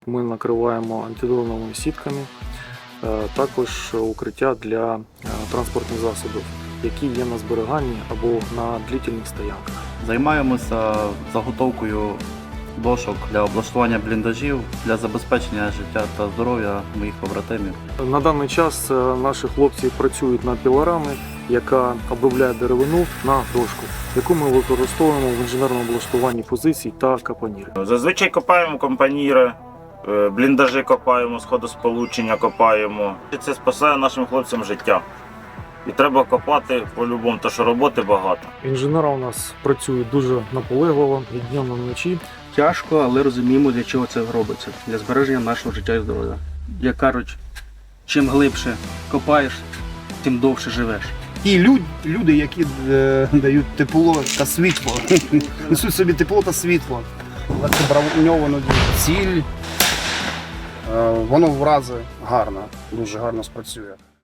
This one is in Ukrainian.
Ми накриваємо антидроновими сітками, також укриття для транспортних засобів, які є на зберіганні або на длительних стоянках. Займаємося заготовкою дошок для облаштування бліндажів, для забезпечення життя та здоров'я моїх побратимів. На даний час наші хлопці працюють над пілорами, яка обробляє деревину на дошку, яку ми використовуємо в інженерному облаштуванні позицій та капоніри. Зазвичай копаємо компаніри, бліндажі копаємо, сходосполучення копаємо. Це спасає нашим хлопцям життя. І треба копати по-любому, тому що роботи багато. Інженери у нас працюють дуже наполегливо і днем, і вночі. Тяжко, але розуміємо, для чого це робиться. Для збереження нашого життя і здоров'я. Як кажуть, чим глибше копаєш, тим довше живеш. Ті люди, які дають тепло та світло, несуть собі тепло та світло. Це броньовано ціль, воно в рази гарно, дуже гарно спрацює.